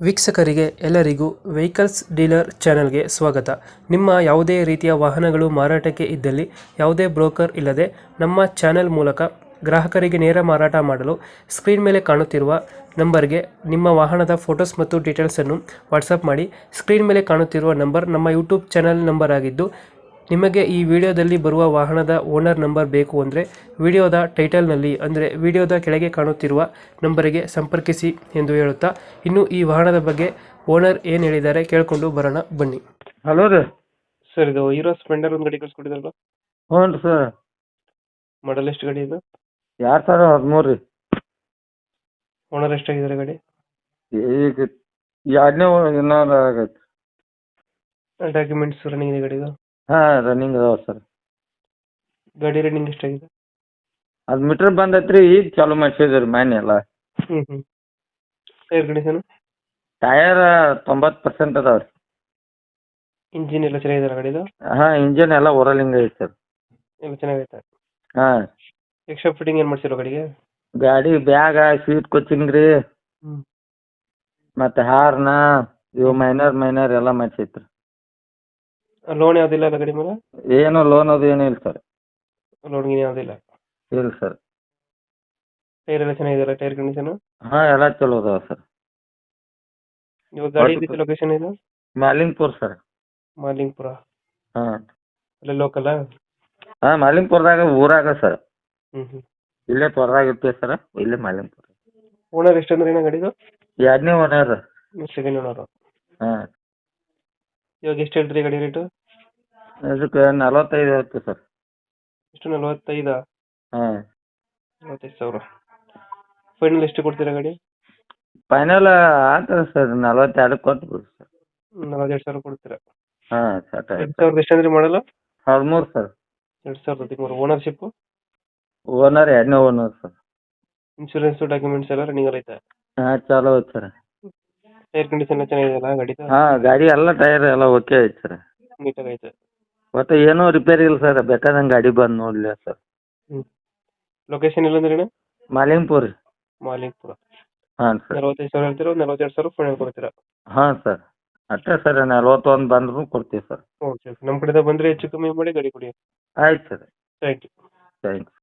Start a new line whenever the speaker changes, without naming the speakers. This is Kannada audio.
ವೀಕ್ಷಕರಿಗೆ ಎಲ್ಲರಿಗೂ ವೆಹಿಕಲ್ಸ್ ಡೀಲರ್ ಚಾನೆಲ್ಗೆ ಸ್ವಾಗತ. ನಿಮ್ಮ ಯಾವುದೇ ರೀತಿಯ ವಾಹನಗಳು ಮಾರಾಟಕ್ಕೆ ಇದ್ದಲ್ಲಿ ಯಾವುದೇ ಬ್ರೋಕರ್ ಇಲ್ಲದೆ ನಮ್ಮ ಚಾನೆಲ್ ಮೂಲಕ ಗ್ರಾಹಕರಿಗೆ ನೇರ ಮಾರಾಟ ಮಾಡಲು ಸ್ಕ್ರೀನ್ ಮೇಲೆ ಕಾಣುತ್ತಿರುವ ನಂಬರ್ಗೆ ನಿಮ್ಮ ವಾಹನದ ಫೋಟೋಸ್ ಮತ್ತು ಡೀಟೇಲ್ಸನ್ನು ವಾಟ್ಸಪ್ ಮಾಡಿ. ಸ್ಕ್ರೀನ್ ಮೇಲೆ ಕಾಣುತ್ತಿರುವ ನಂಬರ್ ನಮ್ಮ ಯೂಟ್ಯೂಬ್ ಚಾನೆಲ್ ನಂಬರ್ ಆಗಿದ್ದು, ನಿಮಗೆ ಈ ವಿಡಿಯೋದಲ್ಲಿ ಬರುವ ವಾಹನದ ಓನರ್ ನಂಬರ್ ಬೇಕು ಅಂದರೆ ವಿಡಿಯೋದ ಟೈಟಲ್ನಲ್ಲಿ ಅಂದರೆ ವಿಡಿಯೋದ ಕೆಳಗೆ ಕಾಣುತ್ತಿರುವ ನಂಬರಿಗೆ ಸಂಪರ್ಕಿಸಿ ಎಂದು ಹೇಳುತ್ತಾ, ಇನ್ನು ಈ ವಾಹನದ ಬಗ್ಗೆ ಓನರ್ ಏನು ಹೇಳಿದ್ದಾರೆ ಕೇಳಿಕೊಂಡು ಬರೋಣ ಬನ್ನಿ.
ಹಲೋ ರೀ.
ಸರ್, ಇದು ಹೀರೋ ಸ್ಪ್ಲೆಂಡರ್ ಒಂದು ಗಾಡಿ ಕಳಿಸ್ಕೊಟ್ಟಿದ್ರಲ್ಲ,
ಹ್ಞೂ ರೀ ಸರ್.
ಮಾಡಲ್ ಎಷ್ಟು ಗಾಡಿ ಇದು?
2013 ರೀ.
ಓನರ್ ಎಷ್ಟಾಗಿದ್ದಾರೆ ಗಾಡಿ?
ಈಗ ಎರಡನೇ ಏನಾರ ಆಗೈತೆ.
ಡಾಕ್ಯುಮೆಂಟ್ಸ್ ರನ್ನಿಂಗ್ ಇದೆ ಗಾಡಿದು?
ಹಾಂ, ರನ್ನಿಂಗ್ ಅದಾವ ಸರ್.
ಗಾಡಿ ರನ್ನಿಂಗ್ ಎಷ್ಟಾಗಿದೆ?
ಅದು ಮೀಟ್ರ್ ಬಂದೈತೆ ರೀ, ಈಗ ಚಾಲೂ ಮಾಡಿಸಿದ್ರಿ ರೀ ಮನೆ ಎಲ್ಲ.
Tyre condition?
ಟಯರ್ 90% ಅದಾವ ರೀ.
ಇಂಜಿನ್ ಎಲ್ಲ ಚೆನ್ನಾಗಿದೆ ಗಾಡಿದು?
ಹಾಂ, ಇಂಜನ್ ಎಲ್ಲ ಓರಲಿಂಗ್ ಐತೆ ಸರ್.
ಎಲ್ಲ ಚೆನ್ನಾಗೈತೆ.
ಹಾಂ,
ಎಕ್ಸ್ಟ್ರಾ ಫಿಟ್ಟಿಂಗ್ ಏನು ಮಾಡ್ಸಿರೋ ಗಾಡಿಗೆ?
ಗಾಡಿ ಬ್ಯಾಗ, ಸೀಟ್ ಕೋಚಿಂಗ್ ರೀ, ಮತ್ತು ಹಾರ್ನ ಇವು ಮೈನರ್ ಎಲ್ಲ ಮಾಡಿಸೈತೆ ರೀ.
ಲೋನ್ ಯಾವುದಿಲ್ಲ ಅಲ್ಲ ಗಾಡಿ ಮೇಲೆ?
ಏನು ಲೋನ್ ಅದು ಏನೂ ಇಲ್ಲ ಸರ್.
ಲೋನ್ ಗೀನ್ ಯಾವುದಿಲ್ಲ?
ಇಲ್ಲ ಸರ್.
ಟೈರ್ ಎಲ್ಲ ಚೆನ್ನಾಗಿದೆಯಲ್ಲ, ಟೈರ್ ಕಂಡೀಷನ್?
ಹಾಂ, ಎಲ್ಲ ಚಲೋ ಅದಾವ ಸರ್.
ಇವಾಗ ಗಾಡಿ ಇದ್ದಿದ್ದು ಲೊಕೇಶನ್ ಇದು?
ಮಾಲಿಂಗ್ಪುರ್ ಸರ್.
ಮಾಲಿಂಗ್ಪುರ?
ಹಾಂ,
ಅಲ್ಲೇ ಲೋಕಲ್ಲ?
ಹಾಂ, ಮಾಲಿಂಗ್ಪುರದಾಗ ಊರಾಗ ಸರ್.
ಹ್ಞೂ.
ಇಲ್ಲೇ ತ್ವರದಾಗ ಇರ್ತೀವಿ ಸರ್, ಇಲ್ಲೇ ಮಾಲಿಂಗ್ಪುರ.
ಓನರ್ ಎಷ್ಟು ಅಂದ್ರೆ ಏನೋ ಗಾಡಿದು?
ಎರಡನೇ ಓನರ್.
Second owner.
ಹಾಂ,
ಇವಾಗ ಎಷ್ಟು ಹೇಳ್ತೀರಿ ಗಾಡಿ ರೇಟು?
ಇದಕ್ಕೆ 45 ಹೇಳ್ತೀವಿ ಸರ್.
ಎಷ್ಟು, 45?
ಹಾಂ,
45,000. ಫೈನಲ್ ಎಷ್ಟು ಕೊಡ್ತೀರಾ ಗಾಡಿ?
ಫೈನಲ್ ಆಗ್ತದೆ ಸರ್, 42 ಕೊಟ್ಬಿಡಿ ಸರ್.
42,000 ಕೊಡ್ತೀರಾ?
ಹಾಂ, ಸರ್.
2000 ಎಷ್ಟು ಅಂದ್ರೆ ಮಾಡಲ್ಲ?
13 ಸರ್.
2013. ಓನರ್ಶಿಪ್ಪು?
ಓನರ್ ಎರಡನೇ ಓನರ್ ಸರ್.
ಇನ್ಶೂರೆನ್ಸು ಡಾಕ್ಯುಮೆಂಟ್ಸ್ ಎಲ್ಲ ರನ್ನಿಂಗ್ ಐತೆ?
ಹಾಂ, ಚಲೋ ಐತೆ ಸರ್.
ಟೈರ್ ಕಂಡೀಷನ್ ಎಲ್ಲ ಚೆನ್ನಾಗಿದೆಯಲ್ಲ ಗಾಡಿದು?
ಹಾಂ, ಗಾಡಿ ಎಲ್ಲ ಟೈರ್ ಎಲ್ಲ ಓಕೆ ಐತೆ ಸರ್.
ನೀಟಾಗಿ ಐತೆ?
ಒಟ್ಟು ಏನೂ ರಿಪೇರಿ ಇಲ್ಲ ಸರ್, ಬೇಕಾದಂಗೆ ಗಾಡಿ ಬಂದು ನೋಡಲಿ ಸರ್.
ಲೊಕೇಶನ್ ಇಲ್ಲಂದ್ರೆ?
ಮಾಲಿಂಗ್ಪುರ್.
ಮಾಲಿಂಗ್ಪುರ.
ಹಾಂ ಸರ್.
45,000 ಹೇಳ್ತೀರಾ? 42,000 ಫೈನಲ್ ಕೊಡ್ತೀರಾ?
ಹಾಂ ಸರ್, ಅಷ್ಟೇ ಸರ್. 41 ಬಂದ್ರೂ ಕೊಡ್ತೀವಿ ಸರ್.
ಓಕೆ. ನಮ್ಮ ಕಡೆಯಿಂದ ಬಂದರೆ ಹೆಚ್ಚು ಕಮ್ಮಿ ಮಾಡಿ ಗಾಡಿ ಕೊಡಿ.
ಆಯ್ತು ಸರ್.
Thank you.
ಥ್ಯಾಂಕ್ಸ್.